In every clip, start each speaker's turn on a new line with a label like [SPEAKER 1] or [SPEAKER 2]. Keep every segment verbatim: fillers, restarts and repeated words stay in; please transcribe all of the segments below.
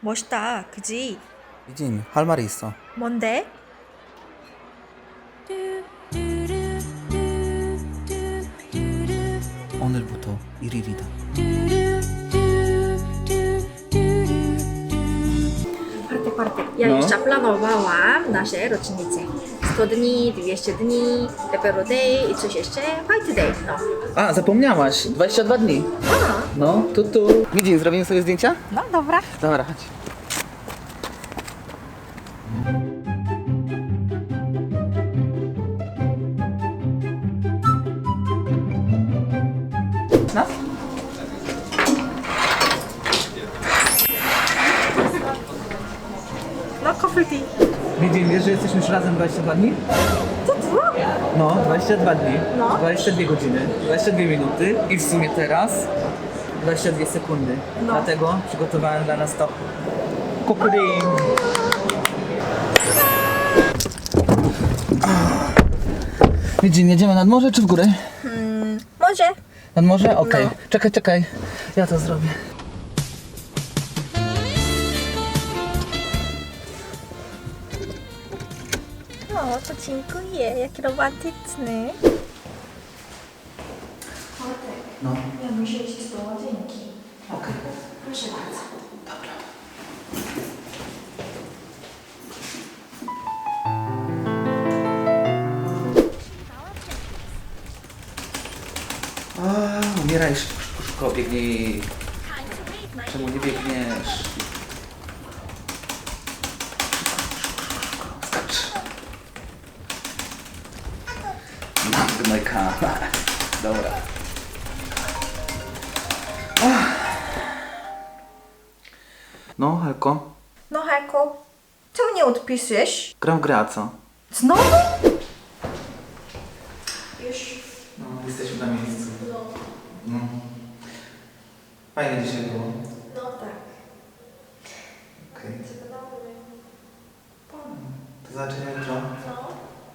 [SPEAKER 1] 멋있다, 그지?
[SPEAKER 2] 미진, 할 말이 있어.
[SPEAKER 1] 뭔데?
[SPEAKER 2] 오늘부터 일 일이다.
[SPEAKER 1] Parte, parte. Ja
[SPEAKER 2] No.
[SPEAKER 1] jeszcze planowałam nasze rocznice. sto dni, dwieście dni, Pepero Day i coś jeszcze, White Day, no.
[SPEAKER 2] A, zapomniałaś, dwadzieścia dwa dni.
[SPEAKER 1] A,
[SPEAKER 2] No, tu, tu. Midzin, zrobimy sobie zdjęcia?
[SPEAKER 1] no dobra.
[SPEAKER 2] Dobra, chodź. No?
[SPEAKER 1] No, coffee tea.
[SPEAKER 2] Midzin, wiesz, że jesteśmy już razem dwadzieścia dwa dni?
[SPEAKER 1] Co to?
[SPEAKER 2] No, dwadzieścia dwa dni,
[SPEAKER 1] No.
[SPEAKER 2] dwadzieścia dwie godziny, dwadzieścia dwie minuty i w sumie teraz dwadzieścia dwie sekundy.
[SPEAKER 1] No.
[SPEAKER 2] Dlatego przygotowałem dla nas to kukurin. Midzin, jedziemy nad morze czy w górę?
[SPEAKER 1] Może.
[SPEAKER 2] Nad morze? Okej.
[SPEAKER 1] No.
[SPEAKER 2] Czekaj, czekaj. Ja to zrobię.
[SPEAKER 1] O, to dziękuję, jaki romantyczny.
[SPEAKER 2] No.
[SPEAKER 1] Ja muszę iść do łazienki.
[SPEAKER 2] Okej.
[SPEAKER 1] Proszę bardzo.
[SPEAKER 2] Dobra. A, umieraj szybko, szybko, szybko, biegnij. Czemu nie biegniesz? Skacz. Magnojka. Dobra. Ach. No, Helko,
[SPEAKER 1] No Heko, czemu nie odpisujesz?
[SPEAKER 2] gram w grę, a co?
[SPEAKER 1] Znowu? Już.
[SPEAKER 2] No, jesteśmy na miejscu. No. Fajnie dzisiaj było.
[SPEAKER 1] No tak.
[SPEAKER 2] Okej. Do zobaczenia jutro.
[SPEAKER 1] No.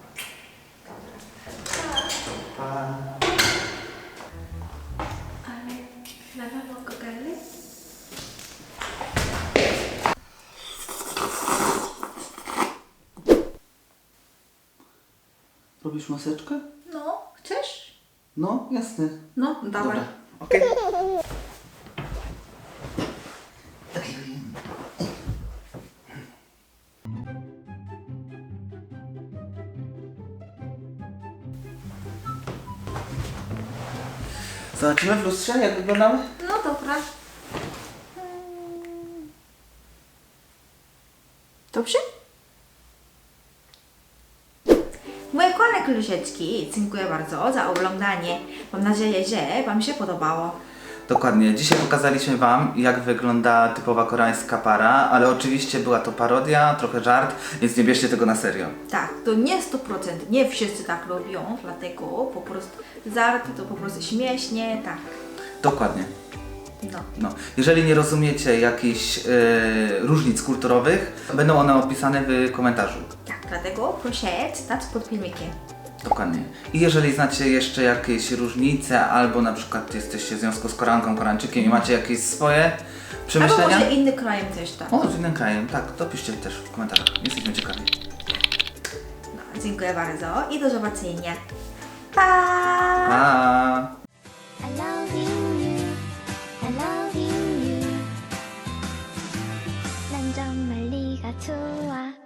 [SPEAKER 2] Pa.
[SPEAKER 1] Ale na pewno kokarny?
[SPEAKER 2] Robisz maseczkę?
[SPEAKER 1] No, chcesz?
[SPEAKER 2] No, jasne.
[SPEAKER 1] No, dawaj.
[SPEAKER 2] Dobra, okej. Zobaczymy w lustrze, jak wyglądamy?
[SPEAKER 1] No dobra. Dobrze? Moje kochane klusieczki, dziękuję bardzo za oglądanie. Mam nadzieję, że Wam się podobało.
[SPEAKER 2] Dokładnie. Dzisiaj pokazaliśmy Wam, jak wygląda typowa koreańska para, ale oczywiście była to parodia, trochę żart, więc nie bierzcie tego na serio.
[SPEAKER 1] Tak, to nie sto procent, nie wszyscy tak robią, dlatego po prostu żarty to po prostu śmiesznie, tak.
[SPEAKER 2] Dokładnie.
[SPEAKER 1] No.
[SPEAKER 2] No. Jeżeli nie rozumiecie jakichś e, różnic kulturowych, będą one opisane w komentarzu.
[SPEAKER 1] Tak, dlatego proszę czytać pod filmikiem.
[SPEAKER 2] Dokładnie. I jeżeli znacie jeszcze jakieś różnice, albo na przykład jesteście w związku z Koreanką, Koreańczykiem i macie jakieś swoje
[SPEAKER 1] Albo
[SPEAKER 2] przemyślenia.
[SPEAKER 1] może inny kraj też tak.
[SPEAKER 2] O, z innym krajem, tak, to piszcie też w komentarzach. Jesteśmy ciekawi.
[SPEAKER 1] No, dziękuję bardzo i do zobaczenia. Pa!
[SPEAKER 2] Pa!
[SPEAKER 3] I loving you, I loving you. 난 정말 네가 좋아.